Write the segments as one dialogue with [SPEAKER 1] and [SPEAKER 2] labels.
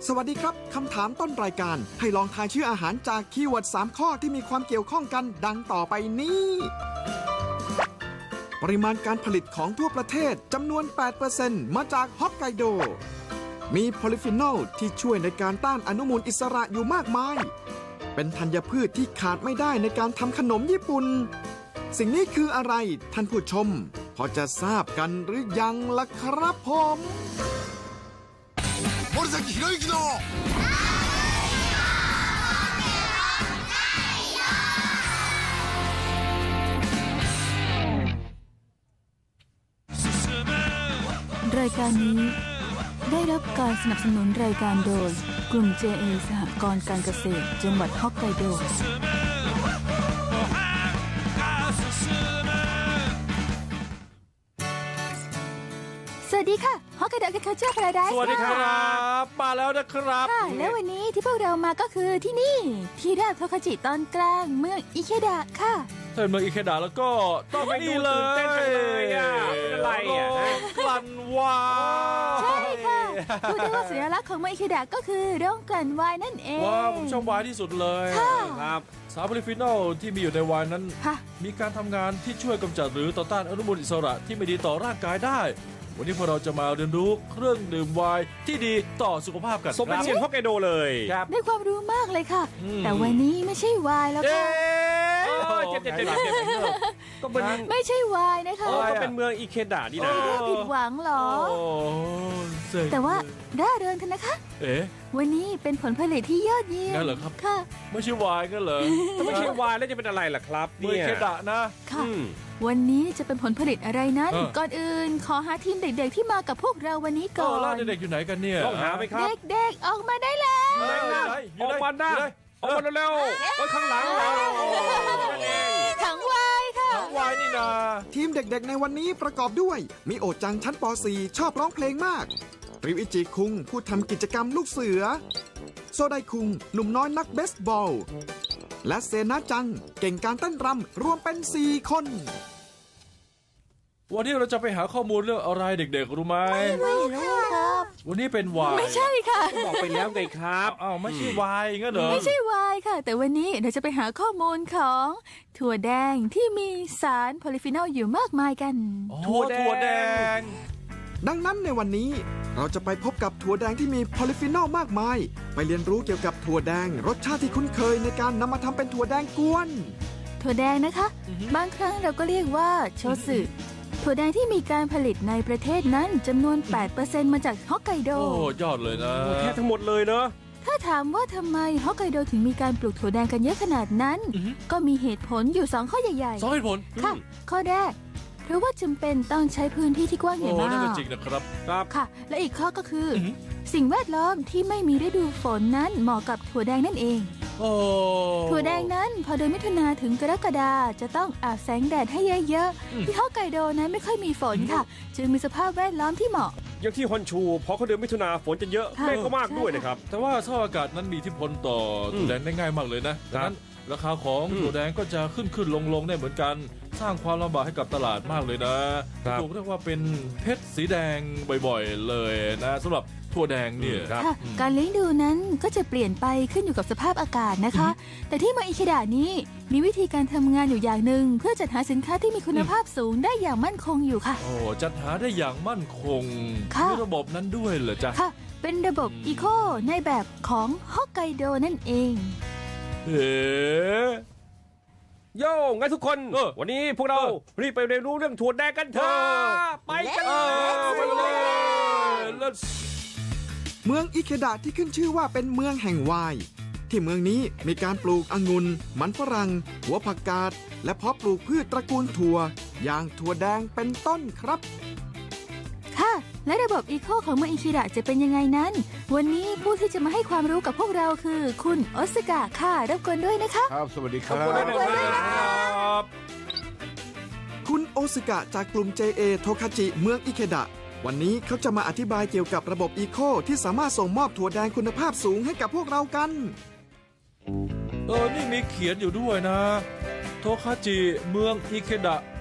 [SPEAKER 1] สวัสดีครับคำถามต้นรายการให้ลองทายชื่ออาหารจากคีย์เวิร์ด3ข้อที่มีความเกี่ยวข้องกันดังต่อไปนี้ปริมาณการผลิตของทั่วประเทศจำนวน 8% มาจากฮอกไกโดมีโพลีฟีนอลที่ช่วยในการต้านอนุมูลอิสระอยู่มากมายเป็นธัญพืชที่ขาดไม่ได้ในการทำขนมญี่ปุ่นสิ่งนี้คืออะไรท่านผู้ชมพอจะทราบกันหรือยังล่ะครับผม
[SPEAKER 2] 森崎博之の
[SPEAKER 3] รายการนี้ได้รับการสนับสนุนรายการโดยกลุ่ม JA สหกรณ์การเกษตรจังหวัดฮอกไกโดสวัสดีค่ะฮอกไกโดแคคเจอร์พาราไดซ์
[SPEAKER 4] สวัสดีครับมาแล้วนะครับ
[SPEAKER 3] ค่ะแล้ววันนี้ที่พวกเรามาก็คือที่นี่ที่ราบโทคาจิตอนกลางเมืองอิเคดะค่ะ
[SPEAKER 4] ถ้าเป็นเมืองอิเคดะแล้วก็ต้องไปดูเลย
[SPEAKER 5] ตื่นเต้นจังเลยอ่ะเป็นอะไรอ่ะ
[SPEAKER 4] กลั่นวาย
[SPEAKER 3] ใช่ค่ะพูดได้ว่าสัญลักษณ์ของเมืองอิเคดะก็คือโรงกลั่นไวน์นั่นเอง
[SPEAKER 4] ว้าวผมชอบไวน์ที่สุดเลยครับสารโพลีฟีนอลที่มีอยู่ในไวน์นั้นมีการทำงานที่ช่วยกำจัดหรือต่อต้านอนุมูลอิสระที่ไม่ดีต่อร่างกายได้วันนี้พวกเราจะมาเรียนรู้เครื่องดื่มไวน์ที่ดีต่อสุขภาพกัน
[SPEAKER 5] สมเป็นเชียงฮอกไกโดเลย
[SPEAKER 3] ได้ความรู้มากเลยค่ะแต่วันนี้ไม่ใช่ไวน์แล้วค่ะ
[SPEAKER 5] เจ็บก็เป็น
[SPEAKER 3] ไม่ใช่ไวน์นะคะ
[SPEAKER 5] ก็เป็นเมืองอิเคดะนี่นะ
[SPEAKER 3] ผิดหวังหรอแต่ว่าร่าเริงกันนะคะวันนี้เป็นผลผลิตที่ยอดเยี่ยม
[SPEAKER 4] นั่นเหรอครับ
[SPEAKER 3] ค่ะ
[SPEAKER 4] ไม่ใช่ไวน์ก็เหรอ
[SPEAKER 5] ไม่ใช่ไวน์แล้วจะเป็นอะไรล่ะครับ
[SPEAKER 4] เมืองอิเคดะนะ
[SPEAKER 3] ค่ะวันนี้จะเป็นผลผลิตอะไรนั้นก่อนอื่นขอหาทีมเด็กๆที่มากับพวกเราวันนี้ก่อน
[SPEAKER 4] แล้วเด็กๆอยู่ไหนกันเนี่ย
[SPEAKER 5] ต้องหาไหมครับ
[SPEAKER 3] เด็กๆออกมาได้แล้ว
[SPEAKER 5] ออกมาได้ออกมาเร็วๆข้างหลัง
[SPEAKER 3] ถังไวน์ค่ะ
[SPEAKER 4] ถังไวน์นี่นา
[SPEAKER 1] ทีมเด็กๆในวันนี้ประกอบด้วยมิโอจังชั้นป .4 ชอบร้องเพลงมากริวอิจิคุงผู้ทำกิจกรรมลูกเสือโซไดคุงหนุ่มน้อยนักเบสบอลและเซนาจังเก่งการเต้นรำรวมเป็น4 คน
[SPEAKER 4] วันนี้เราจะไปหาข้อมูลเรื่องอะไรเด็กๆรู้ไหม
[SPEAKER 3] ไม่รู้ครับ
[SPEAKER 4] วันนี้เป็นไวน์
[SPEAKER 3] ไม่ใช่ค่ะ
[SPEAKER 5] บอกไปแล้วไงครับ
[SPEAKER 4] อ้าวไม่ใช่ไวน์งั้นเหรอ
[SPEAKER 3] ไม่ใช่ไวน์ค่ะแต่วันนี้เราจะไปหาข้อมูลของถั่วแดงที่มีสารโพลีฟีนอลอยู่มากมายกัน
[SPEAKER 4] ถั่วแดง
[SPEAKER 1] ดังนั้นในวันนี้เราจะไปพบกับถั่วแดงที่มีโพลีฟีนอลมากมายไปเรียนรู้เกี่ยวกับถั่วแดงรสชาติที่คุ้นเคยในการนำมาทำเป็นถั่วแดงกวน
[SPEAKER 3] ถั่วแดงนะคะบางครั้งเราก็เรียกว่าโชสึถั่วแดงที่มีการผลิตในประเทศนั้นจำนวน 8% มาจากฮอกไกโด
[SPEAKER 4] โอ้ยอดเลยนะ
[SPEAKER 5] แค่ทั้งหมดเลยเนอะ
[SPEAKER 3] ถ้าถามว่าทำไมฮอกไกโดถึงมีการปลูกถั่วแดงกันเยอะขนาดนั้นก็มีเหตุผลอยู่2ข้อใหญ่
[SPEAKER 4] ๆ2เหตุผล
[SPEAKER 3] ค่ะข้อแรกเพราะว่าจำเป็นต้องใช้พื้นที่ที่กว้างใหญ่มาก
[SPEAKER 4] นั่นจริงนะครับ
[SPEAKER 3] ค่ะและอีกข้อก็คือสิ่งแวดล้อมที่ไม่มีฤดูฝนนั้นเหมาะกับถั่วแดงนั่นเองถั่วแดงนั้นพอเดือนมิถุนาถึงกรกฎาจะต้องอาบแสงแดดให้เยอะๆที่ฮอกไกโดนั้นไม่ค่อยมีฝนค่ะจึงมีสภาพแวดล้อมที่เหมาะ
[SPEAKER 5] อย่างที่ฮอนชูพอเขาเดือนมิถุนาฝนจะเยอะเมฆก็มากด้วยนะครับ
[SPEAKER 4] แต่ว่าสภาพอากาศนั้นมีอิทธิพลต่อถั่วแดงได้ง่ายมากเลยนะดังนั้นราคาของถั่วแดงก็จะขึ้นลงได้เหมือนกันสร้างความลำบากให้กับตลาดมากเลยนะถูกเรียกว่าเป็นเพชรสีแดงบ่อยๆเลยนะสำหรับถั่วแดงเนี่ย
[SPEAKER 3] การเลี้ยงดูนั้นก็จะเปลี่ยนไปขึ้นอยู่กับสภาพอากาศนะคะแต่ที่เมืองอิเคดะนี้มีวิธีการทำงานอยู่อย่างหนึ่งเพื่อจัดหาสินค้าที่มีคุณภาพสูงได้อย่างมั่นคงอยู่ค่ะ
[SPEAKER 4] โอ้จัดหาได้อย่างมั่นคงมีระบบนั้นด้วยเหรอจ๊ะ
[SPEAKER 3] ค่ะเป็นระบบอีโคในแบบของฮอกไกโดนั่นเอง
[SPEAKER 5] โย่งั้นทุกคนวันนี้พวกเรารีบไปเรียนรู้เรื่องถั่วแดงกันเถอะไปกัน
[SPEAKER 1] เมืองอิเคดะที่ขึ้นชื่อว่าเป็นเมืองแห่งไวน์ที่เมืองนี้มีการปลูกองุ่นมันฝรั่งหัวผักกาดและเพาะปลูกพืชตระกูลถั่วอย่างถั่วแดงเป็นต้นครับ
[SPEAKER 3] ค่ะและระบบอีโคของเมืองอิเคดะจะเป็นยังไงนั้นวันนี้ผู้ที่จะมาให้ความรู้กับพวกเราคือคุณโอซากะค่ะรบกวนด้วยนะคะ
[SPEAKER 2] ครับสวัสดีครับ
[SPEAKER 1] คุณโอซากะจากกลุ่ม JA โทคาจิเมืองอิเคดะวันนี้เขาจะมาอธิบายเกี่ยวกับระบบอีโคที่สามารถส่งมอบถั่วแดงคุณภาพสูงให้กับพวกเรากัน
[SPEAKER 4] นี่มีเขียนอยู่ด้วยนะโทคาจิเมืองอิเคดะฮ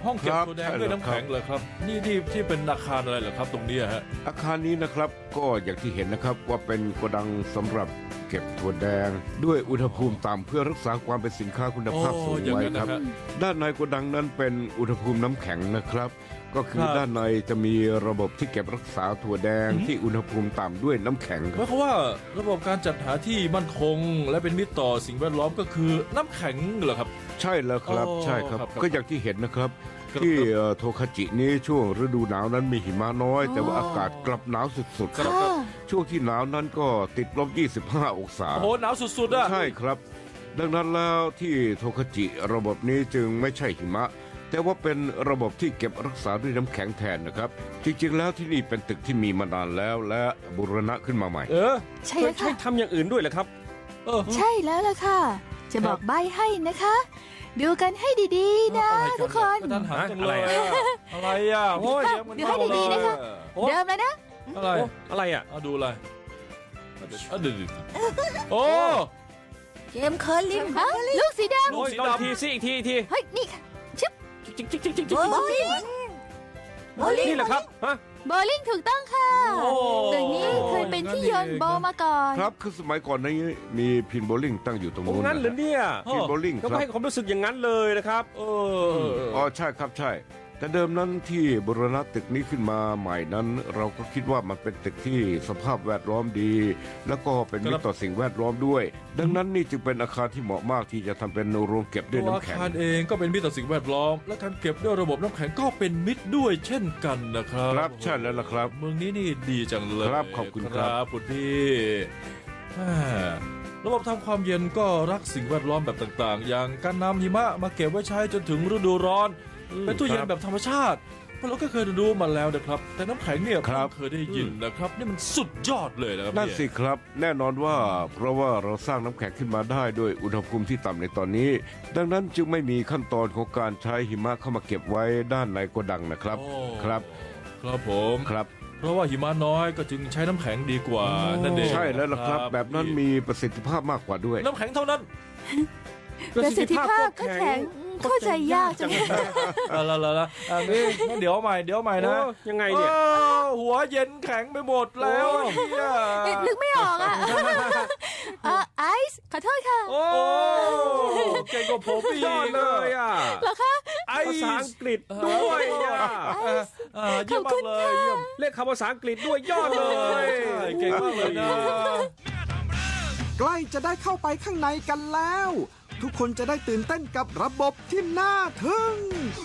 [SPEAKER 4] ห้องเก็บ
[SPEAKER 2] ครับ
[SPEAKER 4] ถั่วแดง
[SPEAKER 2] ใช่
[SPEAKER 4] ด้วย
[SPEAKER 2] แล้ว
[SPEAKER 4] น้ำแข็งเลยครับนี่ที่เป็นอาคารอะไรเหรอครับตรงเนี้ยฮะ
[SPEAKER 2] อาคารนี้นะครับก็อย่างที่เห็นนะครับว่าเป็นโกดังสำหรับเก็บถั่วแดง ด้วยอุณหภูมิต่ำเพื่อรักษาความเป็นสินค้าคุณภาพสูง
[SPEAKER 4] อย่าง
[SPEAKER 2] ไว้
[SPEAKER 4] นั้น
[SPEAKER 2] ค
[SPEAKER 4] นะ
[SPEAKER 2] รับ
[SPEAKER 4] ฮะ
[SPEAKER 2] ด้านในโกดังนั้นเป็นอุณหภูมิน้ำแข็งนะครับ ก็คือ
[SPEAKER 4] ครับ
[SPEAKER 2] ด้านในจะมีระบบที่เก็บรักษาถั่วแดงที่อุณหภูมิต่ำด้วยน้ำแข็งค
[SPEAKER 4] หมา
[SPEAKER 2] รั
[SPEAKER 4] ย
[SPEAKER 2] บ
[SPEAKER 4] ความว่าระบบการจัดหาที่มั่นคง และเป็นมิตรต่อสิ่งแวดล้อมก็คือน้ำแข็งเหรอครับ
[SPEAKER 2] ใช่แล้วครับ
[SPEAKER 4] อ๋อ
[SPEAKER 2] ใช่ครับ
[SPEAKER 4] ครับ
[SPEAKER 2] ก็อย่างที่เห็นนะครับ
[SPEAKER 4] ครับ
[SPEAKER 2] ที่โทคาจินี้ช่วงฤดูหนาวนั้นมีหิมะน้อย แต่ว่าอากาศกลับหนาวสุดๆครับ
[SPEAKER 3] ค่ะ
[SPEAKER 2] ช่วงที่หนาวนั้นก็ติดลบ 25 องศา
[SPEAKER 4] โอ้โหหนาวสุดๆอ่ะ
[SPEAKER 2] ใช่ครับ ดังนั้นแล้วที่โทคาจิระบบนี้จึงไม่ใช่หิมะ แต่ว่าเป็นระบบที่เก็บรักษาด้วยน้ำแข็งแทนนะครับ จริงๆแล้วที่นี่เป็นตึกที่มีมานานแล้วและบูรณะขึ้นมาใหม่
[SPEAKER 3] ใช่
[SPEAKER 5] เค
[SPEAKER 3] แล้
[SPEAKER 5] ยว ใช้
[SPEAKER 3] ค่ะ
[SPEAKER 5] ทำอย่างอื่นด้วยเหรอครับ
[SPEAKER 4] เออ
[SPEAKER 3] ใช่แล้วล่ะค่ะ จะบอกใบให้นะคะ ดูกันให้ดีๆนะ
[SPEAKER 4] อะไร
[SPEAKER 3] ทุกคน
[SPEAKER 4] กระทันหันจังเลย
[SPEAKER 5] อะไร
[SPEAKER 4] อะอะไรอ่ะโอ้ย
[SPEAKER 3] เดี๋ยวให้ดีๆนะคะ
[SPEAKER 5] โอ้
[SPEAKER 3] เริ่มแล้วนะ
[SPEAKER 4] อะไร
[SPEAKER 5] โอ้อะไรอ่ะ
[SPEAKER 4] เอาดูอะไรเอาดูโอ้
[SPEAKER 3] เกมเคอร์ลิงฮะลูกสีด
[SPEAKER 4] ลูกสี
[SPEAKER 5] ลอง
[SPEAKER 4] ดำ
[SPEAKER 5] ทีสิอีกทีอีกที
[SPEAKER 3] ำเฮ้ย นี่ค่ะชึบ
[SPEAKER 5] จิ๊กจิ๊กจิ๊กจิ๊ก
[SPEAKER 3] โบลิ่งโบลิ่ง
[SPEAKER 5] นี่แหละครับฮะ
[SPEAKER 3] โบลิ่งถูกต้องค่ะ
[SPEAKER 4] โอ้
[SPEAKER 3] ตึกนี้เคยเป็นที่โยนโบมาก่อน
[SPEAKER 2] ครับคือสมัยก่อนนี้มีพินโบลิ่งตั้งอยู่ตรง
[SPEAKER 5] โอ้
[SPEAKER 2] นู้น
[SPEAKER 5] งั้นเหรือเนี่ย
[SPEAKER 2] พินโบลิ่ง
[SPEAKER 5] ก็
[SPEAKER 2] ครับ
[SPEAKER 5] ให้ความรู้สึกอย่างนั้นเลยนะครับ
[SPEAKER 4] เออ
[SPEAKER 2] อ๋อใช่ครับใช่ แต่เดิมนั้นที่บูรณะตึกนี้ขึ้นมาใหม่นั้น เราก็คิดว่ามันเป็นตึกที่สภาพแวดล้อมดี แล้วก็เป็นมิตรต่อสิ่งแวดล้อมด้วย ดังนั้นนี่จึงเป็นอาคารที่เหมาะมากที่จะทำเป็นโรงเก็บด้วย
[SPEAKER 4] ตัว
[SPEAKER 2] น้ำ
[SPEAKER 4] อา
[SPEAKER 2] แข็ง
[SPEAKER 4] คารเองก็เป็นมิตรต่อสิ่งแวดล้อม และการเก็บด้วยระบบน้ำแข็งก็เป็นมิตรด้วยเช่นกันนะครับ
[SPEAKER 2] ครับใช่แล้วล่ะครับ
[SPEAKER 4] เมืองนี้นี่ดีจังเลย
[SPEAKER 2] ครับขอบคุณครับ
[SPEAKER 4] คุณพี่แหม่ระบบทำความเย็นก็รักสิ่งแวดล้อมแบบต่างๆ อย่างการนำหิมะมาเก็บไว้ใช้จนถึงฤดูร้อน เป็นตู้เย็นแบบธรรมชาติพวกเราก็เคยรู้มาแล้วนะครับ แต่น้ำแข็งเนี่ย
[SPEAKER 2] ครับ
[SPEAKER 4] ผมเคยได้ยินนะครับ นี่มันสุดยอดเลยนะครับ
[SPEAKER 2] นั่น
[SPEAKER 4] เนี่ย
[SPEAKER 2] สิครับ แน่นอนว่าเพราะว่าเราสร้างน้ำแข็งขึ้นมาได้ด้วยอุณหภูมิที่ต่ำในตอนนี้ ดังนั้นจึงไม่มีขั้นตอนของการใช้หิมะเข้ามาเก็บไว้ด้านในโกดังนะครับ
[SPEAKER 4] โอ้
[SPEAKER 2] ครับ
[SPEAKER 4] ครับผม
[SPEAKER 2] ครับ
[SPEAKER 4] เพราะว่าหิมะน้อยก็จึงใช้น้ำแข็งดีกว่านั่นเอง
[SPEAKER 2] ใช่แล้วล่ะครับ แบบนั้นมีประสิทธิภาพมากกว่าด้วย
[SPEAKER 4] น้ำแข็งเท่านั้น
[SPEAKER 3] ประสิทธิภาพก็แข็งเข้าใจยากจังเลย
[SPEAKER 4] ละงั้นเดี๋ยวใหม่นะ
[SPEAKER 5] โอ้ยังไงเนี่ย
[SPEAKER 4] โอ้หัวเย็นแข็งไปหมดแล้วเนี่ย
[SPEAKER 3] นึกไม่ออกอ่ะไอซ์ขอโทษค่ะ
[SPEAKER 5] โอ้
[SPEAKER 4] โอ้เก่งกว่าผมอีก
[SPEAKER 5] ยอดเลยอ่ะ
[SPEAKER 3] เหรอคะ
[SPEAKER 4] ไอ้
[SPEAKER 5] ภาษาอังกฤษด้วยอ่ะ
[SPEAKER 4] เยี่ยมมากเลยเยี่ยม
[SPEAKER 5] เรียกคำภาษาอังกฤษด้วยยอดเลย
[SPEAKER 4] ใช่เก่งมากเลยนะ
[SPEAKER 1] ใกล้จะได้เข้าไปข้างในกันแล้ว ทุกคนจะได้ตื่นเต้นกับระบบที่น่าทึ่ง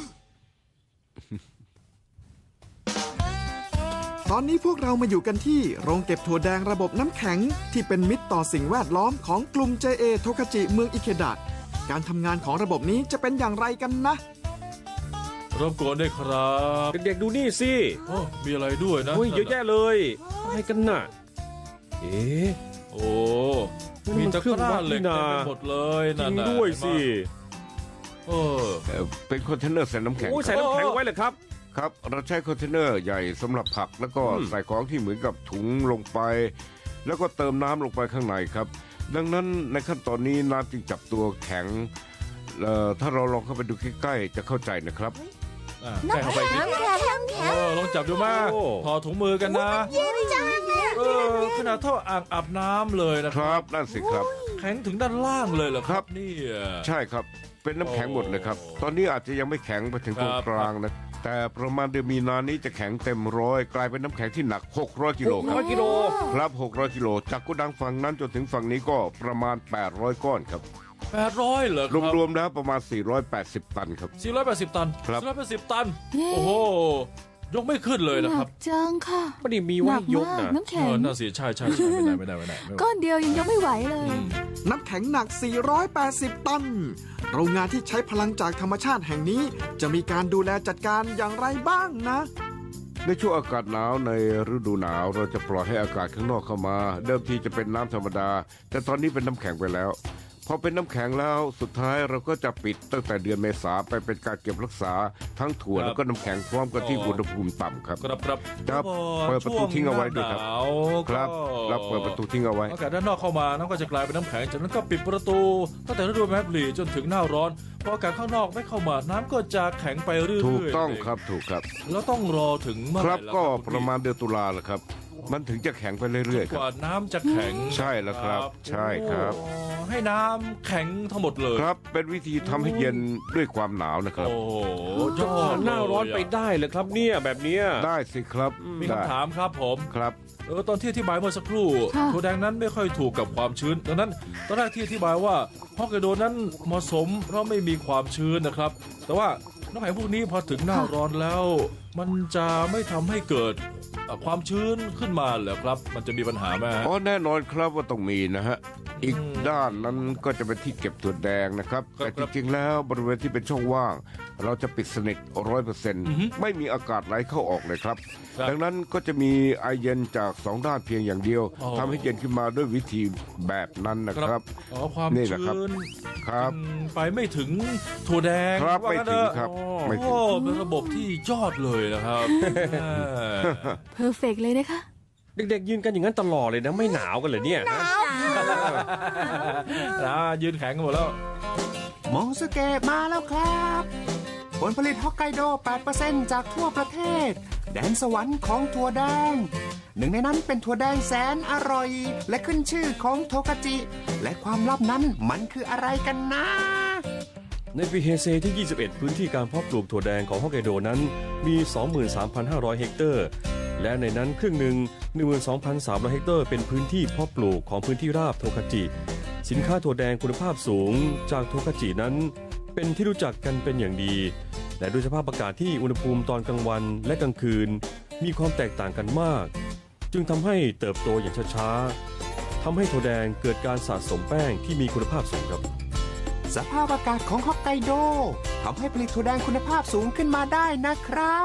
[SPEAKER 1] ตอนนี้พวกเรามาอยู่กันที่โรงเก็บถั่วแดงระบบน้ำแข็งที่เป็นมิตรต่อสิ่งแวดล้อมของกลุ่ม JA โทคาจิเมืองอิเคดะ การทำงานของระบบนี้จะเป็นอย่างไรกันนะ
[SPEAKER 4] รบกวนได้วยครับ
[SPEAKER 5] เด็กๆดูนี่สิ
[SPEAKER 4] โอ้มีอะไรด้วยนะ
[SPEAKER 5] โอ้ยเยอะแยะเลย อะไรกันน่ะ เอ๊ะ
[SPEAKER 4] โอ้มีตะกร้าเหล็กเต็มไปหมดเลย
[SPEAKER 5] จริ
[SPEAKER 4] นั่น
[SPEAKER 5] ง
[SPEAKER 4] น่ะ
[SPEAKER 5] ด้วยสิ
[SPEAKER 4] เออ
[SPEAKER 2] เป็นคอนเทนเนอร์ใส่น้ำแข็ง
[SPEAKER 5] โอ้ยใส่น้ำแข็งไว้เลยครับ
[SPEAKER 2] ครับ เราใช้คอนเทนเนอร์ใหญ่สำหรับผัก แล้วก็ใส่ของที่เหมือนกับถุงลงไป แล้วก็เติมน้ำลงไปข้างในครับ ดังนั้นในขั้นตอนนี้น้ำจึงจับตัวแข็งถ้าเราลองเข้าไปดูใกล้ๆจะเข้าใจนะครับ
[SPEAKER 4] ใกล้เข้าไปดิ
[SPEAKER 3] น้ำแข็ง
[SPEAKER 4] ลองจับดูมา
[SPEAKER 5] โอ้
[SPEAKER 4] ถอดถุงมือกันนะ
[SPEAKER 3] เย็นจัง
[SPEAKER 4] ขนาดเท่าอ่างอาบน้ำเลยนะ
[SPEAKER 2] ค
[SPEAKER 4] ครับ
[SPEAKER 2] รับนั่นสิครับ
[SPEAKER 4] แข็งถึงด้านล่างเลยเหรอครับนี่
[SPEAKER 2] ใช่ครับ เป็นน้ำแข็งหมดเลยครับ ตอนนี้อาจจะยังไม่แข็งไปถึงตรงกลางนะ แต่ประมาณเดือนมีนานี้จะแข็งเต็มร้อย กลายเป็นน้ำแข็งที่หนัก 600 กิโลครับ
[SPEAKER 5] 600 กิโล
[SPEAKER 2] ครับ 600 กิโล จากโกดังฝั่งนั้นจนถึงฝั่งนี้ก็ประมาณ 800 ก้อนครับ
[SPEAKER 4] 800เหรอครับ
[SPEAKER 2] รวมๆแล้วประมาณ 480 ตันครับ
[SPEAKER 4] 480 ตัน
[SPEAKER 2] ครับ
[SPEAKER 4] 480 ตัน โอ้โห ยกไม่ขึ้นเลย
[SPEAKER 3] ห
[SPEAKER 4] นะค
[SPEAKER 3] นั
[SPEAKER 4] รับ
[SPEAKER 3] กจังค่ะ
[SPEAKER 5] ไม่ได้มี
[SPEAKER 3] ห
[SPEAKER 5] ไว้
[SPEAKER 3] นัก
[SPEAKER 5] ยก
[SPEAKER 3] มาก
[SPEAKER 5] นะ
[SPEAKER 3] น้ำแข็ง
[SPEAKER 4] น่าเสียใช่ไม่ได้
[SPEAKER 3] ก้อนเดียวยังยกไม่ไหวเลย
[SPEAKER 1] น้ำแข็งหนัก 480 ตัน โรงงานที่ใช้พลังจากธรรมชาติแห่งนี้ จะมีการดูแลจัดการอย่างไรบ้างนะ
[SPEAKER 2] ในช่วงอากาศหนาวในฤดูหนาวเราจะปล่อยให้อากาศข้างนอกเข้ามา เดิมทีจะเป็นน้ำธรรมดา แต่ตอนนี้เป็นน้ำแข็งไปแล้ว พพอเป็นน้ำแข็งแล้วสุดท้ายเราก็จะปิดตั้งแต่เดือนเมษาไปเป็นการเก็บรักษาทั้งถั่วแล้วก็น้ำแข็งพร้อมกันที่อุณหภูมิต่ำครับ
[SPEAKER 4] ครับครับ
[SPEAKER 2] ครับ
[SPEAKER 4] แล้วพอ
[SPEAKER 2] เปิดประตูทิ้งเอาไว้ด้วยครับ
[SPEAKER 4] ช่งหน้าหนาว
[SPEAKER 2] ครับ
[SPEAKER 4] ก็
[SPEAKER 2] เราเปิดประตูทิ้งเอาไว้
[SPEAKER 4] อากาศด้านนอกเข้ามาน้ำก็จะกลายเป็นน้ำแข็งจากนั้นก็ปิดประตูตั้งแต่ฤดูแมปลีจนถึงหน้าร้อนพออากาศข้างนอกไม่เข้ามาน้ำก็จะแข็งไปเรื่อยๆ
[SPEAKER 2] ถูกต้องครับถูกครับ
[SPEAKER 4] แล้วต้องรอถึงเมื่อ
[SPEAKER 2] ค
[SPEAKER 4] ไห
[SPEAKER 2] รั
[SPEAKER 4] ร่
[SPEAKER 2] บ
[SPEAKER 4] ล่ะ
[SPEAKER 2] ก็
[SPEAKER 4] ครับ
[SPEAKER 2] ประมาณเดือนตุลาแหละครับ มันถึงจะแข็งไปเรื่อยๆค
[SPEAKER 4] ก
[SPEAKER 2] รับ
[SPEAKER 4] ว่าน้ำจะแข็ง
[SPEAKER 2] ใช่แล้วครับใช่ครับ
[SPEAKER 4] โอ้ให้น้ำแข็งทั้งหมดเลย
[SPEAKER 2] ครับเป็นวิธีทำให้เย็นด้วยความหนาวนะครับ
[SPEAKER 4] โอ้โหยอด
[SPEAKER 5] หน้าร้อนไปได้เลยครับเนี่ยแบบเนี้ย
[SPEAKER 2] ได้สิครับ
[SPEAKER 4] มี
[SPEAKER 2] ได้
[SPEAKER 4] คำถามครับผม
[SPEAKER 2] ครับ
[SPEAKER 4] ตอนที่อธิบายเมื่อสักครู่
[SPEAKER 3] ค่ะ
[SPEAKER 4] ถั่วแดงนั้นไม่ค่อยถูกกับความชื้นดังนั้นตอนแรกที่อธิบายว่าฮอกไกโดนั้นเหมาะสมเพราะไม่มีความชื้นนะครับ แต่ว่าน้ำแข็งพวกนี้พอถึงหน้าร้อนแล้ว มันจะไม่ทำให้เกิดความชื้นขึ้นมาเหรอครับ มันจะมีปัญหาไหมฮะ
[SPEAKER 2] อ๋อแน่นอนครับว่าต้องมีนะฮะอีก
[SPEAKER 4] อืม
[SPEAKER 2] ด้านนั้นก็จะเป็นที่เก็บถั่วแดงนะครับ
[SPEAKER 4] ครับ
[SPEAKER 2] แต่จริงๆแล้วบริเวณที่เป็นช่องว่าง เราจะปิดสนิท
[SPEAKER 4] อือฮึ
[SPEAKER 2] 100%ไม่มีอากาศไหลเข้าออกเลยครับ
[SPEAKER 4] ครับ
[SPEAKER 2] ดังนั้นก็จะมีไอเย็นจากสองด้านเพียงอย่างเดียว
[SPEAKER 4] อ๋อ
[SPEAKER 2] ทำให้เย็นขึ้นมาด้วยวิธีแบบนั้นนะครับ
[SPEAKER 4] อ๋อความ
[SPEAKER 2] นี่แหละครับ
[SPEAKER 4] ชื้น
[SPEAKER 2] ครับ
[SPEAKER 4] ไปไม่ถึงถั่วแดง
[SPEAKER 2] ครับ
[SPEAKER 4] ว่า
[SPEAKER 2] ไม่
[SPEAKER 4] งั้น
[SPEAKER 2] ถึ
[SPEAKER 4] เถ
[SPEAKER 2] ง
[SPEAKER 4] อะ
[SPEAKER 2] ครับไม่ถึง
[SPEAKER 4] โอ้เป็นระบบที่ยอดเลยนะครับ
[SPEAKER 3] เพอร์เฟกเลยนะคะ
[SPEAKER 5] เด็กๆยืนกันอย่างนั้นตลอดเลยนะไม่หนาวกันเลยเนี่ยฮะ
[SPEAKER 4] ยืนแข็งกันหมดแล้ว
[SPEAKER 6] โมสเกะมาแล้วครับ ผลผลิตฮอกไกโด 8% จากทั่วประเทศ แดนสวรรค์ของถั่วแดง หนึ่งในนั้นเป็นถั่วแดงแสนอร่อย และขึ้นชื่อของโทกาจิ และความลับนั้นมันคืออะไรกันนะ
[SPEAKER 5] ในปีเฮเซที่ 21 พื้นที่การเพาะปลูกถั่วแดงของฮอกไกโดนั้นมี 23,500 เฮกเตอร์ และในนั้นครึ่งหนึ่ง 12,300 เฮกเตอร์เป็นพื้นที่เพาะปลูกของพื้นที่ราบโทคาจิ สินค้าถั่วแดงคุณภาพสูงจากโทคาจินั้น เป็นที่รู้จักกันเป็นอย่างดี และด้วยสภาพอากาศที่อุณหภูมิตอนกลางวันและกลางคืน มีความแตกต่างกันมาก จึงทำให้เติบโตอย่างช้าๆทำให้ถั่วแดงเกิดการสะสมแป้งที่มีคุณภาพสูงครับ
[SPEAKER 6] สภาพอากาศของฮอกไกโดทำให้ผลิตถั่วแดงคุณภาพสูงขึ้นมาได้นะครับ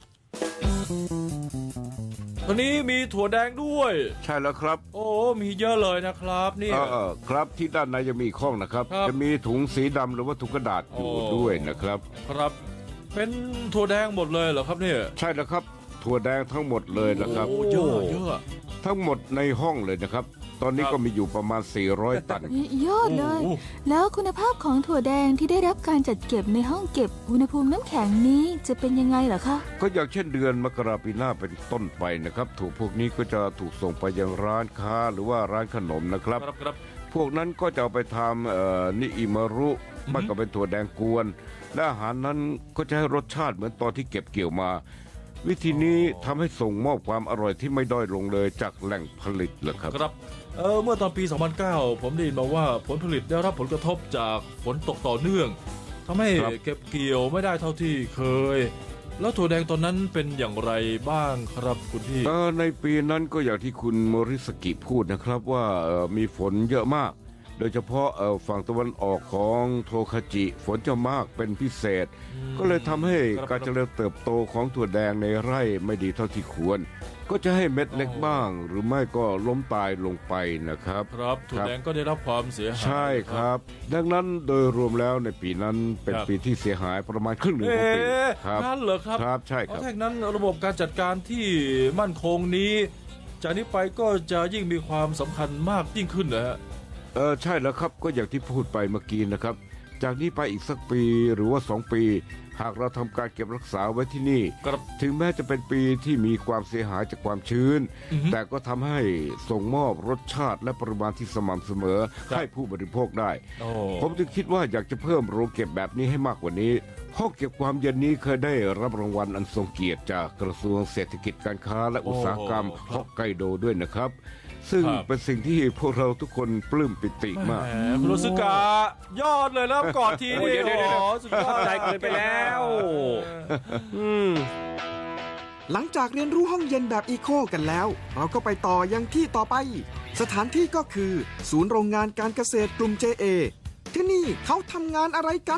[SPEAKER 4] ตอนนี้มีถั่วแดงด้วย
[SPEAKER 2] ใช่แล้วครับ
[SPEAKER 4] โอ้ มีเยอะเลยนะครับเนี่ย
[SPEAKER 2] ครับที่ด้านในจะมีอีกข้องนะครับ
[SPEAKER 4] ครับ
[SPEAKER 2] จะมีถุงสีดำหรือว่าถุงกระดาษอยู่
[SPEAKER 4] โอ้
[SPEAKER 2] ด้วยนะครับ
[SPEAKER 4] ครับ เป็นถั่วแดงหมดเลยเหรอครับเนี่ย
[SPEAKER 2] ใช่แล้วครับ ถั่วแดงทั้งหมดเลยนะครับ
[SPEAKER 4] โอ้เยอะเยอะ
[SPEAKER 2] ทั้งหมดในห้องเลยนะครับ ตอนนี้
[SPEAKER 4] ครับ
[SPEAKER 2] ก็มีอยู่ประมาณ 400 ตัน
[SPEAKER 3] ยอดเลย
[SPEAKER 4] โอ้
[SPEAKER 3] แล้วคุณภาพของถั่วแดงที่ได้รับการจัดเก็บในห้องเก็บอุณหภูมิน้ำแข็งนี้จะเป็นยังไงเหรอคะ
[SPEAKER 2] ก็อย่างเช่นเดือนมกราปีหน้าเป็นต้นไปนะครับถูกพวกนี้ก็จะถูกส่งไปยังร้านค้าหรือว่าร้านขนมนะครับ
[SPEAKER 4] ครับครับ
[SPEAKER 2] พวกนั้นก็จะเอาไปทำนิอิมารุมันก็เป็นถั่วแดงกวน และอาหารนั้นก็จะให้รสชาติเหมือนตอนที่เก็บเกี่ยวมา วิธีนี้ทำให้ส่งมอบความอร่อยที่ไม่ด้อยลงเลยจากแหล่งผลิตเลยครับ
[SPEAKER 4] ครับ เมื่อตอนปี 2009 ผมได้ยินมาว่าผลผลิตได้รับผลกระทบจากฝนตกต่อเนื่องทำให้
[SPEAKER 2] ครับ
[SPEAKER 4] เก็บเกี่ยวไม่ได้เท่าที่เคย แล้วถั่วแดงตอนนั้นเป็นอย่างไรบ้างครับคุณพี่
[SPEAKER 2] ในปีนั้นก็อย่างที่คุณโมริสกิพูดนะครับว่ามีฝนเยอะมาก โดยเฉพาะฝั่งตะวันออกของโทคาจิฝนจะมากเป็นพิเศษ ก็เลยทำให้
[SPEAKER 4] ครับ
[SPEAKER 2] การเจริญเติบโตของถั่วแดงในไร่ไม่ดีเท่าที่ควร ก็จะให้เม็ดเล็กบ้าง หรือไม่ก็ล้มตายลงไปนะครับ
[SPEAKER 4] ครับถั่วแดงก็ได้รับความเสียหาย
[SPEAKER 2] ใช่ครับ ดังนั้นโดยรวมแล้วในปีนั้นเป็น
[SPEAKER 4] ครับ
[SPEAKER 2] ปีที่เสียหายประมาณครึ่งหนึ่งของปีครับ
[SPEAKER 4] นั่นเหรอครับ
[SPEAKER 2] ครับใช่ค
[SPEAKER 4] เพ
[SPEAKER 2] รับ
[SPEAKER 4] ราะถ้าอย่างนั้นระบบการจัดการที่มั่นคงนี้ จากนี้ไปก็จะยิ่งมีความสำคัญมากยิ่งขึ้นนะฮะ
[SPEAKER 2] ใช่แล้วครับก็อย่างที่พูดไปเมื่อกี้นะครับ จากนี้ไปอีกสักปีหรือว่า 2 ปี หากเราทำการเก็บรักษาไว้ที่นี่
[SPEAKER 4] ครับ
[SPEAKER 2] ถึงแม้จะเป็นปีที่มีความเสียหายจากความชื้น
[SPEAKER 4] อือฮึ
[SPEAKER 2] แต่ก็ทำให้ส่งมอบรสชาติและปริมาณที่สม่ำเสมอ
[SPEAKER 4] ครับ
[SPEAKER 2] ให้ผู้บริโภคได้
[SPEAKER 4] โอ้
[SPEAKER 2] ผมจึงคิดว่าอยากจะเพิ่มโรงเก็บแบบนี้ให้มากกว่านี้ห้องเก็บความเย็นนี้เคยได้รับรางวัลอันทรงเกียรติจากกระทรวงเศรษฐกิจการค้าและอุตสาหกรรมฮอกไกโดด้วยนะครับ ซึ่งเป็นสิ่งที่พวกเราทุกคนปลื้มปิติมาก
[SPEAKER 4] แหมคุณโรสึกะยอดเลยนะกอดที
[SPEAKER 5] โอ้
[SPEAKER 4] นี่
[SPEAKER 5] เดี๋ยว
[SPEAKER 4] โอ้
[SPEAKER 5] เดี๋ยว
[SPEAKER 4] สุดยอด
[SPEAKER 5] ใจเกินไปแล้ว อืม
[SPEAKER 1] หลังจากเรียนรู้ห้องเย็นแบบอีโคกันแล้ว เราก็ไปต่อยังที่ต่อไป สถานที่ก็คือ ศูนย์โรงงานการเกษตรกลุ่ม JA ที่นี่เขาทำงานอะไรกัน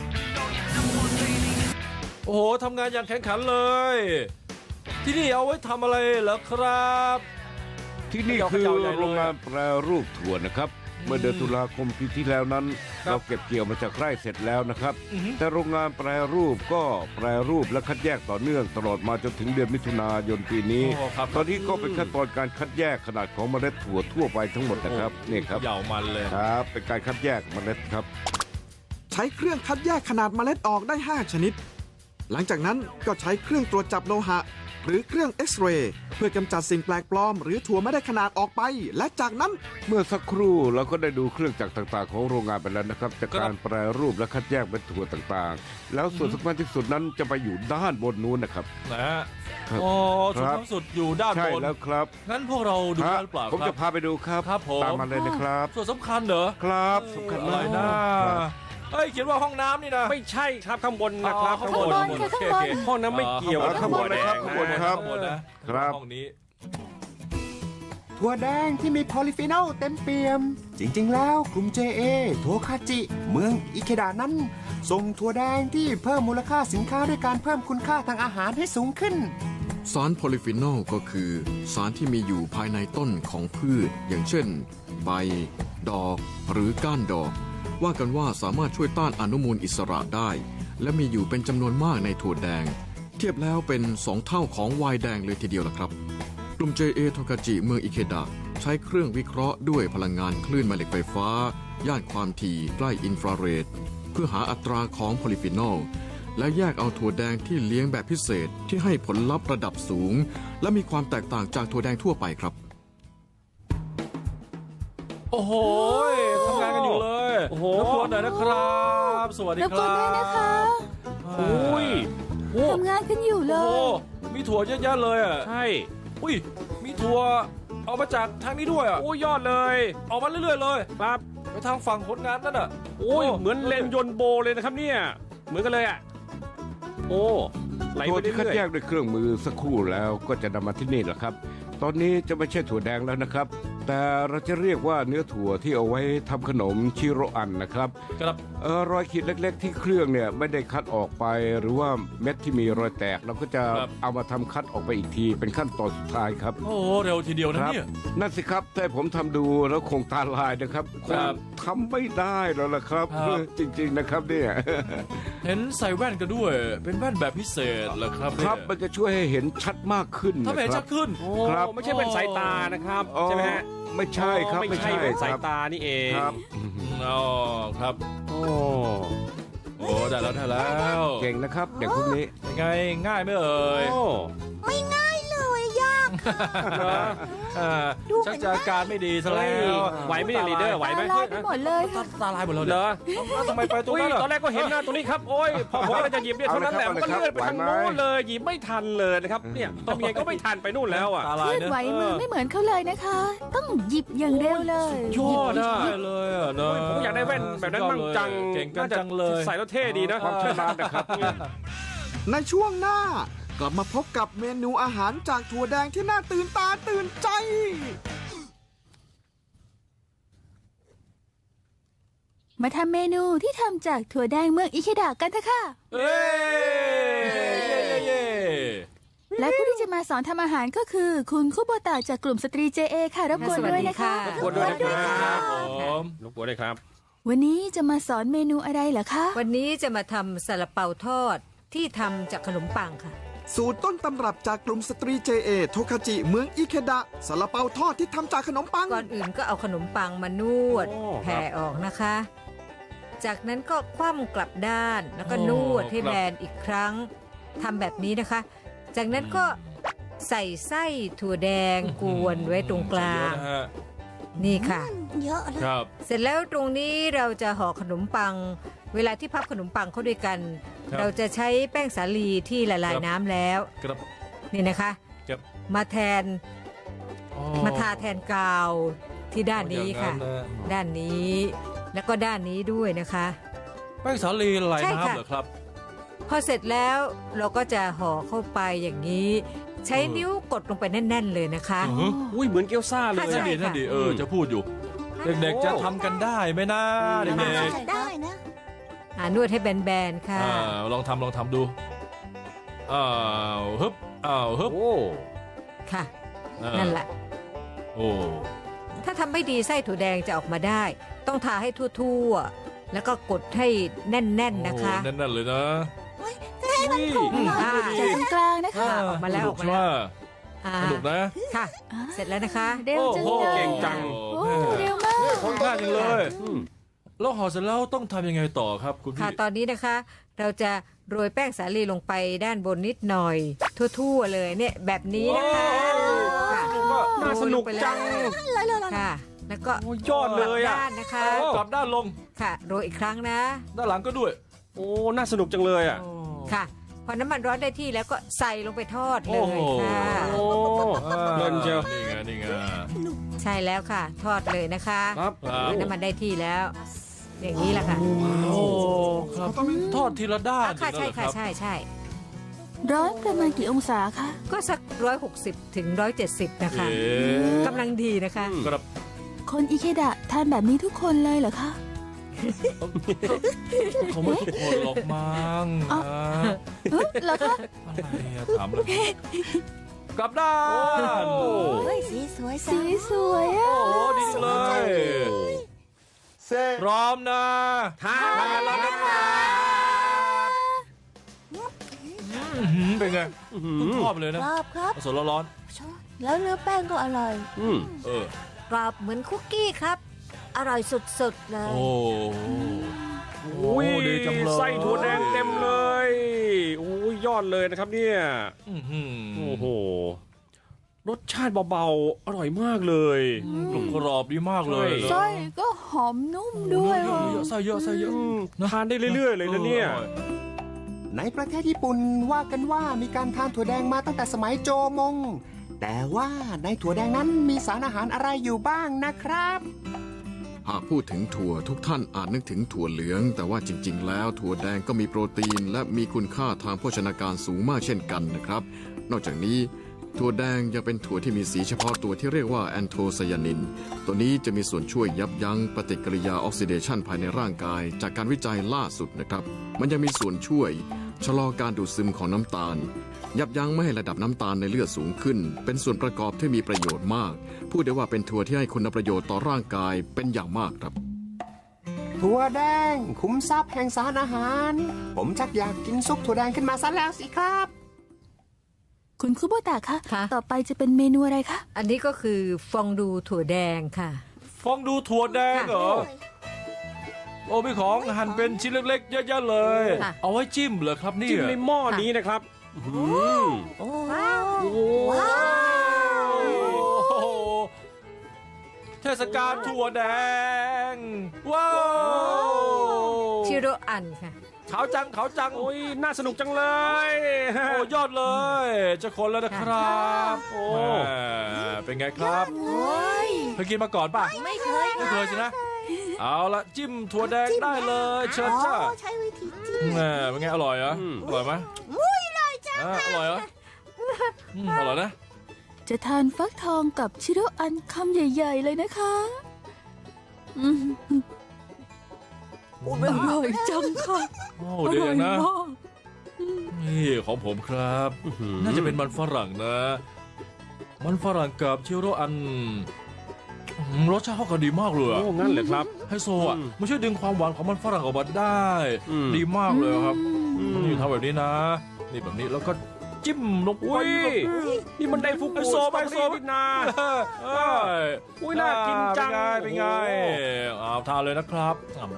[SPEAKER 4] โอ้โหทำงานอย่างแข็งขันเลย ที่นี่เอาไว้ทำอะไรเหรอครับ
[SPEAKER 2] ที่นี่คือโรงงานแปรรูปถั่วนะครับเมื่อเดือนตุลาคมปีที่แล้วนั้น
[SPEAKER 4] ครับ
[SPEAKER 2] เราเก็บเกี่ยวมาจากไร่เสร็จแล้วนะครับ
[SPEAKER 4] อือฮึ
[SPEAKER 2] แต่โรงงานแปรรูปก็แปรรูปและคัดแยกต่อเนื่องตลอดมาจนถึงเดือนมิถุนายนปีนี้
[SPEAKER 4] โอ้ครับ
[SPEAKER 2] ตอนนี้ก็เป็นขั้นตอนการคัดแยกขนาดของเมล็ดถั่วทั่วไปทั้งหมดนะครับนี่ครับ
[SPEAKER 4] เหยาวมันเลย
[SPEAKER 2] ครับเป็นการคัดแยกเมล็ดครับ
[SPEAKER 1] ใช้เครื่องคัดแยกขนาดเมล็ดออกได้ 5 ชนิด หลังจากนั้นก็ใช้เครื่องตรวจจับโลหะ หรือเครื่องเอ็กซเรย์เพื่อกำจัดสิ่งแปลกปลอม หรือถั่วไม่ได้ขนาดออกไป และจากนั้น
[SPEAKER 2] เมื่อสักครู่เราก็ได้ดูเครื่องจักรต่างๆของโรงงานไปแล้วนะครับจากการแปรรูปและคัดแยกเป็นถั่วต่างๆ แล้วส่วนสำคัญที่สุดนั้นจะไปอยู่ด้านบนนู้นนะครับ
[SPEAKER 4] นะฮะ
[SPEAKER 2] ครับ
[SPEAKER 4] โอ้จุด
[SPEAKER 2] ครับ
[SPEAKER 4] สูงสุดอยู่ด้าน
[SPEAKER 2] ใช่
[SPEAKER 4] บน
[SPEAKER 2] แล้วครับ
[SPEAKER 4] งั้นพวกเราดู
[SPEAKER 2] ฮะ
[SPEAKER 4] ได้หรือเปล่า
[SPEAKER 2] ผม
[SPEAKER 4] ค
[SPEAKER 2] จะ
[SPEAKER 4] รับ
[SPEAKER 2] พาไปดูครับ
[SPEAKER 4] ครับผม
[SPEAKER 2] ตามมาเลยนะครับ
[SPEAKER 4] ส่วนสำคัญเหรอ
[SPEAKER 2] ครับสำคัญ
[SPEAKER 4] อะไร
[SPEAKER 2] มาก
[SPEAKER 4] นะครับ เอ้ยเขียนว่าห้องน้ำนี่นะ
[SPEAKER 5] ไม่ใช่ครับข้างบนนะครับ
[SPEAKER 4] อ๋อ
[SPEAKER 5] ข้างบน
[SPEAKER 3] ข้างบนค่ะข้างบน
[SPEAKER 5] ห้องน้ำไม่เกี่ยวกับ
[SPEAKER 2] ข้างบนนะครับ
[SPEAKER 5] ถั่วแดง
[SPEAKER 2] ข้างบนครับ
[SPEAKER 4] ข้างบนนะครับ ห้องนี้
[SPEAKER 6] ถั่วแดงที่มีโพลิฟีนอลเต็มเปี่ยม จริงๆ แล้วกลุ่ม JA โทคาจิ เมืองอิเคดะนั้น ส่งถั่วแดงที่เพิ่มมูลค่าสินค้าด้วยการเพิ่มคุณค่าทางอาหารให้สูงขึ้น
[SPEAKER 1] สารโพลิฟีนอลก็คือ สารที่มีอยู่ภายในต้นของพืช อย่างเช่น ใบ ดอก หรือก้านดอก ว่ากันว่าสามารถช่วยต้านอนุมูลอิสระได้ และมีอยู่เป็นจำนวนมากในถั่วแดง เทียบแล้วเป็น 2 เท่าของไวน์แดงเลยทีเดียวล่ะครับ กลุ่ม JA โทกาจิเมืองอิเคดะใช้เครื่องวิเคราะห์ด้วยพลังงานคลื่นแม่เหล็กไฟฟ้า ย่านความถี่ใกล้อินฟราเรดเพื่อหาอัตราของโพลิฟีนอล และแยกเอาถั่วแดงที่เลี้ยงแบบพิเศษที่ให้ผลลัพธ์ระดับสูง และมีความแตกต่างจากถั่วแดงทั่วไปครับ
[SPEAKER 4] โอ้โหทำงานกันอยู่เลย
[SPEAKER 5] โอ้โห
[SPEAKER 4] รบกวนหน่อยนะครับ สวัสดี
[SPEAKER 3] รบ
[SPEAKER 4] ค
[SPEAKER 3] กวน
[SPEAKER 4] รับ
[SPEAKER 3] ด้วยนะคะ
[SPEAKER 5] โอ้ยโอ้
[SPEAKER 3] ทำงานกันอยู่เล
[SPEAKER 4] โอ้โห
[SPEAKER 3] ย
[SPEAKER 4] มีถั่วเยอะแยะเลยอ่ะ
[SPEAKER 5] ใช่
[SPEAKER 4] อุ้ยมีถั่วออกมาจากทางนี้ด้วยอ่ะ
[SPEAKER 5] โอ้ยยอดเลย
[SPEAKER 4] ออกมาเรื่อยๆเลย
[SPEAKER 5] ครับ
[SPEAKER 4] ไปทางฝั่งผลงานนั่นอ่ะ
[SPEAKER 5] โอ้ยเหมือนเลนยนต์โบเลยนะครับเนี่ยเหมือนกันเลยอ่ะโอ้ไหล
[SPEAKER 2] ถั่
[SPEAKER 5] ไป
[SPEAKER 2] วที่คัด
[SPEAKER 5] เรื่อย
[SPEAKER 2] แยกด้วยเครื่องมือสักครู่แล้วก็จะนำมาที่นี่แหละครับ ตอนนี้จะไม่ใช่ถั่วแดงแล้วนะครับ แต่เราจะเรียกว่าเนื้อถั่วที่เอาไว้ทำขนมชิโรอันนะครับ
[SPEAKER 4] ครับ
[SPEAKER 2] รอยขีดเล็กๆ ที่เครื่องเนี่ยไม่ได้คัดออกไป หรือว่าเม็ดที่มีรอยแตกเราก็จะเอามาทำคัดออกไปอีกทีเป็นขั้นตอนสุดท้ายครับ
[SPEAKER 4] โอ้โหเร็วทีเดียวนะเนี่ย
[SPEAKER 2] นั่นสิครับแต่ผมทำดูแล้วคงตาลายนะครับค
[SPEAKER 4] ครั
[SPEAKER 2] ง
[SPEAKER 4] บ
[SPEAKER 2] ทำไม่ได้แล้วล่ะครับ
[SPEAKER 4] ครับ
[SPEAKER 2] จริงๆนะครับเนี่ย
[SPEAKER 4] เห็นใส่แว่นกันด้วย เป็นแว่นแบบพิเศษเหรอครับ
[SPEAKER 2] ครับ
[SPEAKER 4] เนี่ย
[SPEAKER 2] มันจะช่วยให้เห็นชัดมากขึ้น
[SPEAKER 4] ถ้า
[SPEAKER 2] นะ
[SPEAKER 4] ไม่เห็น
[SPEAKER 2] ครั
[SPEAKER 4] ชั
[SPEAKER 2] บ
[SPEAKER 4] กขึ้น
[SPEAKER 5] ๆโอ้
[SPEAKER 2] ครับ
[SPEAKER 5] ไม่ใช่เป็นสายตานะครับ
[SPEAKER 2] อ๋อ
[SPEAKER 5] ใช่ไหมฮะ
[SPEAKER 2] ไม่ใช่ครับ
[SPEAKER 5] ไม่ใช่เป็นสาย
[SPEAKER 2] ครับ
[SPEAKER 5] ตานี่เอง
[SPEAKER 2] ครับ
[SPEAKER 4] อ๋อครับ
[SPEAKER 5] โอ้
[SPEAKER 4] โอ้ได้แล้วได้แล้ว
[SPEAKER 2] เก่งนะครับเด็กพวกนี้
[SPEAKER 4] เป็นไงง่ายไหมเอ่ย
[SPEAKER 5] โอ้
[SPEAKER 7] ไม่ง่ายเลยยาก
[SPEAKER 4] เหรออ่าชักจะอาการไม่ดีซะแล้ว
[SPEAKER 5] ไหวไหมเนี่ยลีดเดอร์ไหวไหม
[SPEAKER 3] ตาลายไปหมดเลยค่ะ
[SPEAKER 4] ตาลายหมดแล้ว
[SPEAKER 5] เหร
[SPEAKER 4] เนี่ย
[SPEAKER 5] อ
[SPEAKER 4] แล้วทำไมไปตรง
[SPEAKER 5] อุ้ย
[SPEAKER 4] นั้น
[SPEAKER 5] ตอน
[SPEAKER 4] ล่ะ
[SPEAKER 5] แรกก็เห็นหน้าตรงนี้ครับโอ้ยพอผมกำลังจะหยิบเนี่ยเท่านั้นแหละมันก็เลื่อนไปทางโน้นเลยหยิบไม่ทันเลยนะครับเนี่ยทำยังไงก็ไม่ทันไปนู่นแล้วอ่ะ
[SPEAKER 4] ตา
[SPEAKER 3] เค
[SPEAKER 4] ลาย
[SPEAKER 3] ลื่อน
[SPEAKER 4] นะ
[SPEAKER 3] ไหวมือไม่เหมือนเขาเลยนะคะ ต้องหยิบอย่างเร็วเลย
[SPEAKER 4] ยอดได้เลยอ่ะเนอะ
[SPEAKER 5] ผมอยากได้แว่นแบบนั้นมั่งจัง
[SPEAKER 4] เก่งกัน
[SPEAKER 5] น่าจะ
[SPEAKER 4] จังเลย
[SPEAKER 5] ใส่แล้วเท่ดีนะ
[SPEAKER 2] ความชำนาญนะครับ
[SPEAKER 1] ในช่วงหน้ากลับมาพบกับเมนูอาหารจากถั่วแดงที่น่าตื่นตาตื่นใจ
[SPEAKER 3] มาทำเมนูที่ทำจากถั่วแดงเมืองอิเคดะกันเถอะค่ะ
[SPEAKER 4] เอ้ยเย้
[SPEAKER 3] และผู้ที่จะมาสอนทำอาหารก็คือ คุณคุโบตะจากกลุ่มสตรี JA ค่ะรบกวนด้วยนะคะ
[SPEAKER 5] รบกวนด้วยนะครับ
[SPEAKER 4] ผม
[SPEAKER 5] รบกวนด้วยครับ
[SPEAKER 3] วันนี้จะมาสอนเมนูอะไรเหรอคะ
[SPEAKER 7] วันนี้จะมาทำซาลาเปาทอดที่ทำจากขนมปังค่ะ
[SPEAKER 1] สูตรต้นตำรับจากกลุ่มสตรี JA โทคาจิเมืองอิเคดะซาลาเปาทอดที่ทำจากขนมปัง
[SPEAKER 7] ก่อนอื่นก็เอาขนมปังมานวด
[SPEAKER 5] โอ้
[SPEAKER 7] แผ่ออกนะคะ จากนั้นก็คว่ำกลับด้านแล้วก็นวดให้แบนอีกครั้งทำแบบนี้นะคะ จากนั้นก็ใส่ไส้ถั่วแดงกวนไว้ตรงกลาง
[SPEAKER 4] เยอะนะฮะ
[SPEAKER 7] นี่ค่ะเยอะเลย
[SPEAKER 4] ครับ
[SPEAKER 7] เสร็จแล้วตรงนี้เราจะห่อขนมปัง เวลาที่พับขนมปังเข้าด้วยกัน
[SPEAKER 4] ครับ
[SPEAKER 7] เราจะใช้แป้งสาลีที่ละลาย
[SPEAKER 4] ครับ
[SPEAKER 7] น้ำแล้ว
[SPEAKER 4] ครับ
[SPEAKER 7] นี่นะคะ
[SPEAKER 4] ครับ
[SPEAKER 7] มาแทน
[SPEAKER 4] อ๋อ
[SPEAKER 7] มาทาแทนกาวที่ด้านนี้ค่ะ
[SPEAKER 4] อย่างนั้นนะ
[SPEAKER 7] ด้านนี้แล้วก็ด้านนี้ด้วยนะคะ
[SPEAKER 4] แป้งสาลีละลาย
[SPEAKER 7] ใช่ค่ะ
[SPEAKER 4] น้ำเหรอครับ
[SPEAKER 7] พอเสร็จแล้วเราก็จะห่อเข้าไปอย่างนี้ ใช้นิ้วกดลงไปแน่น ๆ เลยนะคะ
[SPEAKER 4] อือฮึ
[SPEAKER 5] อุ้ยเหมือนเกี๊ยวซ่าเลย
[SPEAKER 7] ใช่
[SPEAKER 4] นั่นดีนั่นดีจะพูดอยู่ เด็กๆจะทำกันได้ไหมนะเด็ก
[SPEAKER 7] ได้นะนวดให้แบนๆ
[SPEAKER 4] ๆ
[SPEAKER 7] ค่ะ
[SPEAKER 4] ลองทำดูอ้าวฮึบอ้าวฮึบ
[SPEAKER 5] โอ้
[SPEAKER 7] ค่ะ
[SPEAKER 4] อ่า
[SPEAKER 7] นั่นแหละ
[SPEAKER 4] โอ้
[SPEAKER 7] ถ้าทำไม่ดีไส้ถั่วแดงจะออกมาได้ ต้องทาให้ทั่วๆแล้วก็กดให้แน่นๆนะคะ
[SPEAKER 4] โอ้แน่นๆเลยนะ
[SPEAKER 3] จากตรงกลางนะคะ
[SPEAKER 7] ออกมาแล้ว
[SPEAKER 4] ส
[SPEAKER 7] อ
[SPEAKER 4] นุ
[SPEAKER 7] อกมาแล้ว อ่า
[SPEAKER 4] สนุกนะ
[SPEAKER 7] ค่ะ เสร็จแล้วนะคะ
[SPEAKER 3] เร็วจัง
[SPEAKER 5] โอ้โห
[SPEAKER 3] เลย
[SPEAKER 5] เก่งจัง
[SPEAKER 3] โอ้เร็วมาก
[SPEAKER 4] คนง่ายจังเลย แล้วห่อเสร็จแล้วต้องทำยังไงต่อครับคุณ
[SPEAKER 7] ค่ะ
[SPEAKER 4] พี่
[SPEAKER 7] ตอนนี้นะคะ เราจะโรยแป้งสาลีลงไปด้านบนนิดหน่อย ทั่วๆเลยเนี่ยแบบนี้นะคะค่ะ
[SPEAKER 5] น่าสนุกจัง
[SPEAKER 7] ค่ะ แล้วก็
[SPEAKER 5] โอ้ยอดเลยอะ
[SPEAKER 7] ด้านนะคะ
[SPEAKER 4] กลับด้านลง
[SPEAKER 7] ค่ะ โรยอีกครั้งนะ
[SPEAKER 4] ด้านหลังก็ด้วย
[SPEAKER 5] โอ้ น่าสนุกจังเลยอ่ะ
[SPEAKER 7] ค่ะ พอน้ำมันร้อนได้ที่แล้วก็ใส่ลงไปทอดเลยค่ะ
[SPEAKER 5] โอ้เพลินเชียว
[SPEAKER 4] นี่ไง
[SPEAKER 7] ใช่แล้วค่ะ ทอดเลยนะคะ
[SPEAKER 5] ครับ
[SPEAKER 4] ครับ
[SPEAKER 7] น้ำมันได้ที่แล้ว อย่างนี้แหละค่ะ
[SPEAKER 4] โอ้ครับทอดทีละด้าน
[SPEAKER 7] ค่ะ
[SPEAKER 4] อย่าง
[SPEAKER 7] ใช่
[SPEAKER 4] นั้นเหรอ
[SPEAKER 7] ค่ะ
[SPEAKER 4] รับ
[SPEAKER 7] ใช่
[SPEAKER 3] ร้อนประมาณกี่องศาคะ
[SPEAKER 7] ก็สัก160 ถึง 170 นะคะ
[SPEAKER 4] เอ๊ะ
[SPEAKER 7] กำลังดีนะคะ
[SPEAKER 4] ครับ
[SPEAKER 3] คนอิเคดะทานแบบนี้ทุกคนเลยเหรอคะ
[SPEAKER 4] เขาไม่ทุกคนหรอกมั้ง
[SPEAKER 3] อ๋อ
[SPEAKER 4] นะ
[SPEAKER 3] เหรอคะ
[SPEAKER 4] อะไรอะถามเลยกลับด้าน
[SPEAKER 3] สีสวยอ่ะ
[SPEAKER 4] โอ้โหดีจังเลยพร้อมนะทานแล้วนะครับเป็นไงเพิ่งทอดไปเลยนะ
[SPEAKER 8] กรอบครับ
[SPEAKER 4] สดๆร้อน
[SPEAKER 8] แล้วเนื้อแป้งก็อร่อย
[SPEAKER 5] อืม
[SPEAKER 4] ๆเออก
[SPEAKER 8] รอบเหมือนคุกกี้ครับ อร่อยสุดๆเลย
[SPEAKER 4] โอ้
[SPEAKER 5] โอ้ย
[SPEAKER 4] ดีจังเลย
[SPEAKER 5] ไส้ถั่วแดงเต็มเลยโอ้ยยอดเลยนะครับเนี่ย
[SPEAKER 4] อื้อหือ
[SPEAKER 5] โอ้โห รสชาติเบาๆ อร่อยมากเลย
[SPEAKER 4] กรุบกรอบดีมากเลย
[SPEAKER 5] ใช่
[SPEAKER 3] ไส้ก็หอมนุ่มด้วย
[SPEAKER 4] เย
[SPEAKER 3] ว่ะ
[SPEAKER 4] อะๆไส้เยอะไส้เยอะ
[SPEAKER 5] อืมทานได้เรื่อยๆเลยนะเนี่ย
[SPEAKER 4] อร่อ
[SPEAKER 6] ในประเทศญี่ปุ่นว่ากันว่ามีการทานถั่วแดงมาตั้งแต่สมัยโจมง แต่ว่าในถั่วแดงนั้นมีสารอาหารอะไรอยู่บ้างนะครับ
[SPEAKER 1] หากพูดถึงถั่วทุกท่านอาจนึกถึงถั่วเหลือง แต่ว่าจริง ๆ แล้วถั่วแดงก็มีโปรตีน และมีคุณค่าทางโภชนาการสูงมากเช่นกันนะครับ นอกจากนี้ถั่วแดงยังเป็นถั่วที่มีสีเฉพาะตัวที่เรียกว่าแอนโทไซยานิน ตัวนี้จะมีส่วนช่วยยับยั้งปฏิกิริยาออกซิเดชันภายในร่างกาย จากการวิจัยล่าสุดนะครับ มันยังมีส่วนช่วยชะลอการดูดซึมของน้ำตาล ยับยั้งไม่ให้ระดับน้ำตาลในเลือดสูงขึ้น เป็นส่วนประกอบที่มีประโยชน์มาก พูดได้ว่าเป็นถั่วที่ให้คุณประโยชน์ต่อร่างกายเป็นอย่างมากครับ
[SPEAKER 6] ถั่วแดงคุ้มทรัพย์แห่งสารอาหาร ผมชักอยากกินซุปถั่วแดงขึ้นมาซะแล้วสิครับ
[SPEAKER 3] คุณคุโบตะคะ
[SPEAKER 7] ค่ะ
[SPEAKER 3] ต่อไปจะเป็นเมนูอะไรคะ
[SPEAKER 7] อันนี้ก็คือฟองดูถั่วแดงค่ะ
[SPEAKER 4] ฟองดูถั่วแดงเหรอ โอ้มีของหั่นเป็นชิ้นเล็กๆเยอะๆเลย
[SPEAKER 7] ค่ะ
[SPEAKER 4] เอาไว้จิ้มเหรอครับเนี่
[SPEAKER 5] จิ้ม
[SPEAKER 4] ย
[SPEAKER 5] ในหม้อนี้นะครับอืม
[SPEAKER 8] โอ้
[SPEAKER 4] โอ้โหเทศกาลถั่วแดง ว้าว
[SPEAKER 7] ชิโรอันค่ะ
[SPEAKER 4] ขาวจังขาวจัง
[SPEAKER 5] โอ้ย น่าสนุกจังเลย
[SPEAKER 4] โอ้ยอดเลย จะคนแล้วนะครับ
[SPEAKER 5] โอ้
[SPEAKER 4] แหม่เป็นไงครับ
[SPEAKER 8] โอ้ย
[SPEAKER 4] เคยกินมาก่อนป่ะ
[SPEAKER 8] ไม่เคย
[SPEAKER 4] ไม่เคยสินะ เอาละจิ้มถั่วแดงได้เลยเชิญจ้า
[SPEAKER 8] ใช้วิธีจิ้ม
[SPEAKER 4] แหม่เป็นไงอร่อยเหรออร่อยไหม
[SPEAKER 8] อุ้ยอร่อยจัง
[SPEAKER 4] อร่อยเหรออร่อยนะ
[SPEAKER 3] จะทานฟักทองกับชิโรอันคำใหญ่ ๆ เลยนะคะอืมอร่อยจังค่ะ
[SPEAKER 4] โอ้
[SPEAKER 3] อ
[SPEAKER 4] เดี๋ยว
[SPEAKER 3] ร่อย
[SPEAKER 4] นะ
[SPEAKER 3] มาก
[SPEAKER 4] นี่ของผมครับ น่าจะเป็นมันฝรั่งนะ มันฝรั่งกับชิโรอันรสชาติเข้ากันดีมากเลยอะ
[SPEAKER 5] โอ้งั้นเหรอครับ
[SPEAKER 4] ไฮโซอ่ะมันช่วยดึงความหวานของมันฝรั่งออกมาได้
[SPEAKER 5] อืม
[SPEAKER 4] ดีมากเลยครับ
[SPEAKER 5] อืม
[SPEAKER 4] นี่ทำแบบนี้นะ นี่แบบนี้แล้วก็จิ้มลงไป
[SPEAKER 5] อุ้ย นี่มันได้ฟุกุ
[SPEAKER 4] ไฮโซไปไฮโซ
[SPEAKER 5] สตรอเบอรี่นี่นา
[SPEAKER 4] เอ้ย
[SPEAKER 5] อุ้ยน่ากินจัง
[SPEAKER 4] เป็นไงเอาทานเลยนะครับ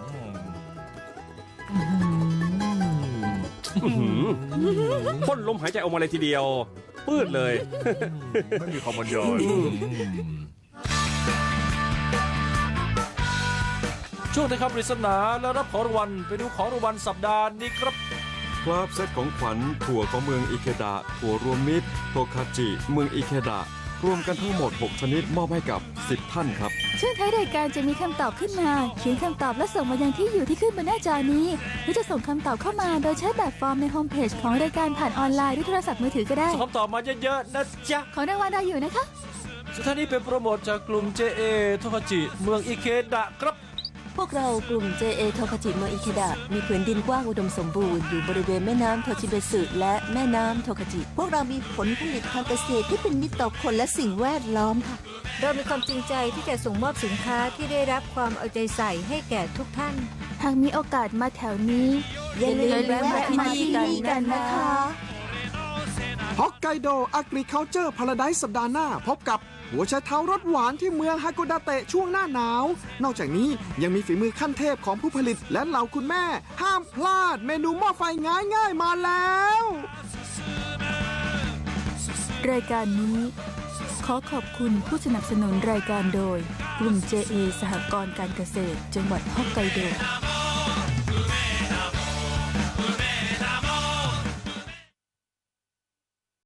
[SPEAKER 5] พ่นลมหายใจออกมาเลยทีเดียว ปืดเลย
[SPEAKER 4] ไม่มีคำบรรยายช่วงนี้ครับปริศนาและรับของรางวัลไปดูของรางวัลสัปดาห์นี้ครับ
[SPEAKER 9] ครับเซตของขวัญถั่วของเมืองอิเคดะถั่วรวมมิตรโทคาจิเมืองอิเคดะรวมกันทั้งหมด 6 ชนิดมอบให้กับ 10 ท่านครับ
[SPEAKER 3] ช่วงท้ายรายการจะมีคำตอบขึ้นมา เขียนคำตอบและส่งมายังที่อยู่ที่ขึ้นบนหน้าจอนี้ หรือจะส่งคำตอบเข้ามาโดยใช้แบบฟอร์มในโฮมเพจของรายการผ่านออนไลน์ด้วยโทรศัพท์มือถือก็ได้
[SPEAKER 4] ส่งคำตอบมาเยอะๆนะจ๊ะ
[SPEAKER 3] ของรางวัลเราอยู่นะคะ
[SPEAKER 4] สุดท้ายนี้เป็นโปรโมทจากกลุ่ม JA โทคาจิเมืองอิเคดะครับ
[SPEAKER 10] พวกเรากลุ่ม JA โทคาจิเมืองอิเคดะมีผืนดินกว้างอุดมสมบูรณ์อยู่บริเวณแม่น้ำโทชิเบสึและแม่น้ำโทคาจิ
[SPEAKER 8] พวกเรามีผลผลิตทางเกษตรที่เป็นมิตรต่อคนและสิ่งแวดล้อมค่ะ
[SPEAKER 7] เรามีความจริงใจที่จะส่งมอบสินค้าที่ได้รับความเอาใจใส่ให้แก่ทุกท่าน
[SPEAKER 3] หากมีโอกาสมาแถวนี้
[SPEAKER 8] อย่าลืม
[SPEAKER 3] แวะมาที่นี่กันนะคะ
[SPEAKER 1] ฮอกไกโด Agriculture Paradise สัปดาห์หน้าพบกับหัวไชเท้ารสหวานที่เมืองฮากุดาเตะช่วงหน้าหนาว นอกจากนี้ยังมีฝีมือขั้นเทพของผู้ผลิตและเหล่าคุณแม่ ห้ามพลาดเมนูหม้อไฟง่ายๆมาแล้ว
[SPEAKER 3] รายการนี้ขอขอบคุณผู้สนับสนุนรายการโดย กลุ่ม JA สหกรณ์การเกษตรจังหวัดฮอกไกโด